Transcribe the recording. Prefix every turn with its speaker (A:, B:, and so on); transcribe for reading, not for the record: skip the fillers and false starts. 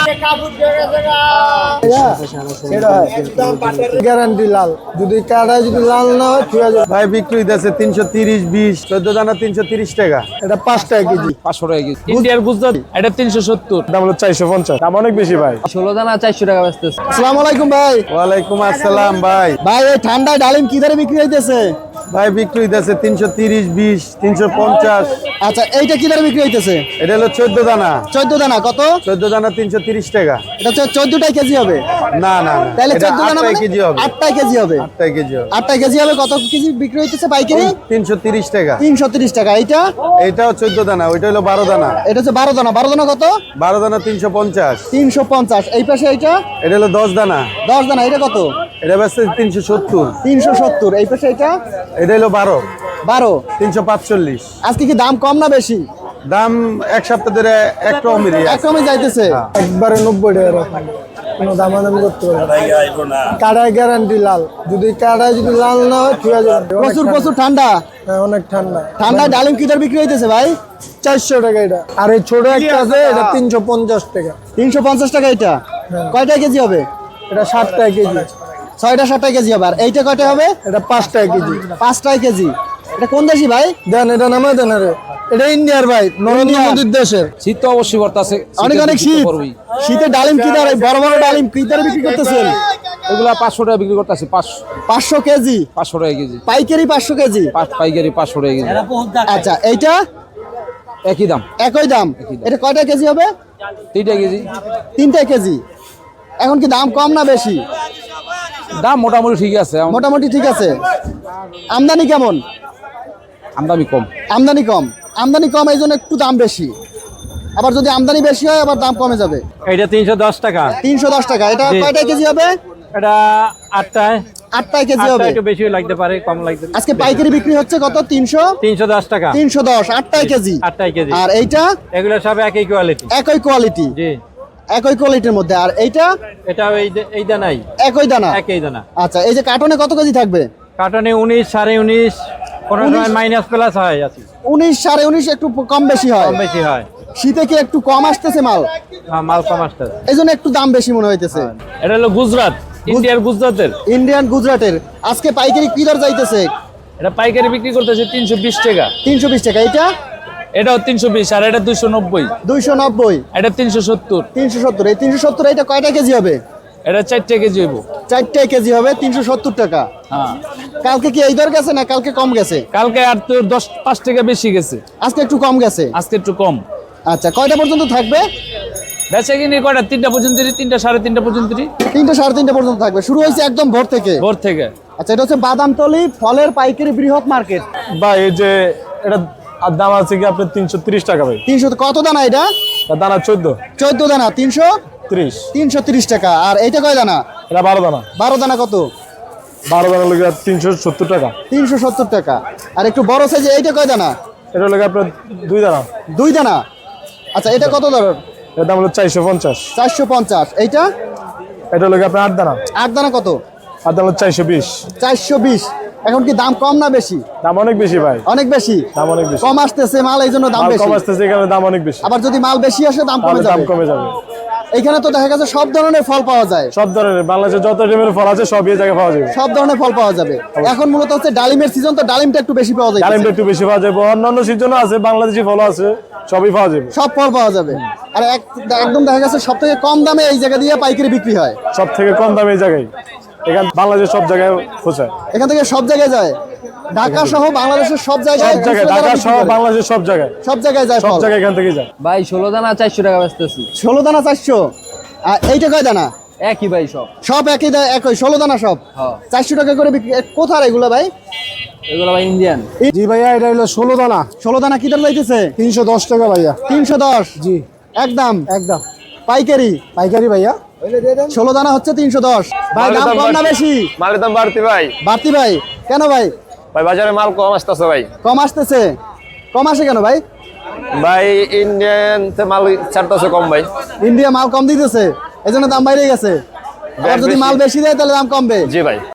A: Guarantee লাল, যদি কাটায় যদি লাল না হয় ঠিক আছে ভাই। বিক্রি দিচ্ছে 330, 20, 14 দানা 330 টাকা। এটা 5 টাকা কেজি,
B: 500 টাকা কেজি। ইন্ডিয়ার গুজরাট এটা 370,
A: দাম হলো 450, দাম অনেক বেশি ভাই।
B: 16 দানা 400 টাকা বেচতেছে।
A: আসসালামু আলাইকুম ভাই। ওয়ালাইকুম আসসালাম ভাই। ভাই এই ঠান্ডায় ডালিম কি দরে বিক্রি হইতেছে? ভাই বিক্রি হইতেছে 330, 20, 350। আচ্ছা এইটা কি দরে বিক্রি হইতেছে? এটা হলো 14 দানা। 14 দানা কত? 14 দানা 330 টাকা। এটা হচ্ছে 14টাই কেজি হবে? না না না, তাহলে 14 দানা মানে কেজি হবে, 8টাই কেজি হবে। 8টাই কেজি হবে, 8টাই কেজি হবে। কত কেজি বিক্রি হইতেছে পাইকারি? 330 টাকা। 330 টাকা। এইটা এটাও 14 দানা, ওইটা হলো 12 দানা। এটা হচ্ছে 12 দানা। 12 দানা কত? 12 দানা 350। 350। এই পাশে এইটা? এটা হলো 10 দানা। 10 দানা। এটা কত? এটা বেচছে 370। 370। এই পাশে এটা? এটা হলো 12। 12 345। আজকে কি দাম কম না বেশি? দাম এক সপ্তাহ ধরে একরকমই যাইতেছে, একবারে 90 টাকা। কোনো দামাদামি করতে পারবে না। কাটায় গ্যারান্টি লাল, যদি কাটায় যদি লাল না হয় ঠিক আছে। প্রচুর ঠান্ডা। হ্যাঁ অনেক ঠান্ডা। ঠান্ডায় ডালিম কি দর বিক্রি হইতেছে ভাই? 400 টাকা এটা। আর এই ছোট একটা আছে এটা 350 টাকা। 350 টাকা। এটা কয়টা কেজি হবে? এটা 60 টাকা কেজি। 6টা 60 টাকা কেজি হবে। আর এইটা কয়টা হবে? এটা 5 টাকা কেজি। 5 টাকা কেজি। এটা কোন দেশি ভাই? দেন এটা নামে দেন। আরে এটা ইন্ডিয়ার ভাই, নরেন্দ্র মোদির দেশের।
B: শীত তো অবশ্যই বর্তাছে,
A: অনেক শীত। শীতে ডালিম কি দরে? বড় বড় ডালিম কি দরে বিক্রি করতেছেন?
B: এগুলা 500 টাকা বিক্রি করতেছে।
A: 500 কেজি?
B: 500 টাকা কেজি
A: পাইকারি 500 কেজি?
B: পাইকারি 500 টাকা কেজি।
A: আচ্ছা এইটা
B: একই দাম।
A: একই দাম। এটা কয়টা কেজি হবে?
B: 3টা কেজি।
A: 3টা কেজি। এখন কি দাম কম না বেশি?
B: দাম মোটামুটি ঠিক আছে।
A: মোটামুটি ঠিক আছে। আমদানি কেমন?
B: আমদানি কম।
A: আমদানি কম। আমদানি কম এই জন্য একটু দাম বেশি। আবার যদি আমদানি বেশি হয় আবার দাম কমে যাবে।
C: এটা 310 টাকা।
A: 310 টাকা। এটা কয়টা কেজি হবে?
C: এটা 8টায়।
A: 8টায় কেজি হবে।
C: একটু বেশি লাগতে পারে, কম লাগতে পারে।
A: আজকে পাইকারি বিক্রি হচ্ছে কত?
C: 310 টাকা।
A: 310। 8টায় কেজি।
C: 8টায় কেজি।
A: আর এইটা?
C: এগুলো সব একই কোয়ালিটি।
A: একই কোয়ালিটি।
C: জি,
A: একই কোয়ালিটির মধ্যে। আর এইটা?
C: এটা এই দানাই।
A: একই দানা।
C: একই দানা।
A: আচ্ছা এই যে কার্টনে কত কেজি থাকবে?
C: কার্টনে 19, 19.5, কোনো সময় মাইনাস প্লাস হয় আছে।
A: 19, 19.5 একটু কম বেশি হয়।
C: কম বেশি হয়।
A: শীতে কি একটু কম আসতেছে মাল?
C: হ্যাঁ, মাল কম আসতেছে।
A: এই জন্য একটু দাম বেশি মনে হইতেছে।
C: এটা হলো গুজরাট, ইন্ডিয়ার গুজরাটের।
A: ইন্ডিয়ান গুজরাটের। আজকে পাইকারি কি দর যাইতেছে?
C: এটা পাইকারি বিক্রি করতেছে 320 টাকা।
A: 320 টাকা। এটা?
C: এটাও 320। আর এটা 290।
A: 290।
C: এটা 370।
A: 370। এই 370 এটা কয়টা কেজি হবে?
C: এটা 4টা কেজি হইব।
A: 4টা কেজি হবে 370 টাকা।
C: হ্যাঁ।
A: কালকে কি এই দর গেছে না কালকে কম গেছে?
C: কালকে আর তোর 5 টাকা বেশি গেছে,
A: আজকে একটু কম গেছে।
C: আজকে একটু কম।
A: আচ্ছা কয়টা পর্যন্ত থাকবে?
C: বেচা কিনি কয়টা? 3টা পর্যন্ত, 3টা 3:30 পর্যন্ত।
A: 3টা 3:30 পর্যন্ত থাকবে। শুরু হয়েছে একদম ভোর থেকে।
C: ভোর থেকে।
A: আচ্ছা এটা হচ্ছে বাদামতলী ফলের পাইকারি বৃহৎ মার্কেট।
D: ভাই এই যে এটা দাম আছে কি আপনার 330 টাকা ভাই।
A: 300 কত দানা এটা?
D: দানা 14।
A: 14 দানা 330 টাকা। আর এইটা কয় দানা?
D: এটা 12 দানা।
A: 12 দানা কত?
D: 12 দানা লাগে 370 টাকা।
A: 370 টাকা। আর একটু বড় সাইজে এইটা কয় দানা?
D: এটা লাগে আপনার 2 দানা।
A: 2 দানা। আচ্ছা এটা কত দর?
D: এর দাম হলো 450।
A: 450। এইটা?
D: এটা লাগে আপনার 8 দানা।
A: 8 দানা কত?
D: 8 দানা হলো 420।
A: 420। এখন কি দাম কম না বেশি?
D: দাম অনেক বেশি ভাই।
A: অনেক বেশি।
D: দাম অনেক বেশি।
A: কম আসতেছে মাল এই জন্য দাম
D: মাল
A: বেশি।
D: কম আসতেছে এখানে দাম অনেক বেশি।
A: আবার যদি মাল বেশি আসে দাম কমে
D: দাম
A: যাবে।
D: কমে যাবে।
A: এখানে তো দেখা গেছে সব ধরনের ফল পাওয়া যায়।
D: সব ধরনের বাংলাদেশে যত ধরনের ফল আছে সব এই জায়গায় পাওয়া যাবে।
A: সব ধরনের ফল পাওয়া যাবে। এখন মূলত হচ্ছে ডালিমের সিজন, তো ডালিমটা একটু বেশি পাওয়া যায়।
D: ডালিমটা একটু বেশি পাওয়া যাবে। অন্যান্য সিজনও আছে, বাংলাদেশি ফল আছে, সবই পাওয়া যাবে।
A: সব ফল পাওয়া যাবে। আর একদম দেখা গেছে সব থেকে কম দামে এই জায়গা দিয়ে পাইকারি বিক্রি হয়।
D: সব থেকে কম দামে এই জায়গায়। এখান বাংলাদেশের সব জায়গায় পৌঁছায়।
A: এখান থেকে সব জায়গায় যায়। ঢাকা সহ বাংলাদেশের সব জায়গায়।
D: ঢাকা সহ বাংলাদেশের সব জায়গায়।
A: সব জায়গায় যায়।
D: সব জায়গায় এখান থেকে যায়।
B: ভাই 16 দানা 400 টাকা বেচতেছি।
A: 16 দানা 400। আর এইটা কয় দানা?
B: একই ভাই সব।
A: সব একই একই 16 দানা সব।
B: হ্যাঁ।
A: 400 টাকা করে বিক্রি। কোথায় এগুলো ভাই?
B: এগুলো ভাই ইন্ডিয়ান।
D: জি ভাইয়া এটা হলো 16 দানা।
A: 16 দানা কি দাম যাইতেছে?
D: 310 টাকা ভাইয়া।
A: 310।
D: জি
A: একদম
D: একদম
A: পাইকারি।
D: পাইকারি ভাইয়া।
A: 16 দানা হচ্ছে 310। ভাই দাম কম না বেশি?
E: মালের দাম বাড়তি ভাই।
A: বাড়তি ভাই কেন ভাই?
E: ভাই বাজারে মাল কম আসতেছে ভাই।
A: কম আসতেছে? কম আসে কেন ভাই?
E: ভাই ইন্ডিয়ান তে মাল ছাড়তেছে কম ভাই।
A: ইন্ডিয়া মাল কম দিতেছে এই জন্য দাম বাইরে গেছে। আর যদি মাল বেশি দেয় তাহলে দাম কমবে।
E: জি ভাই।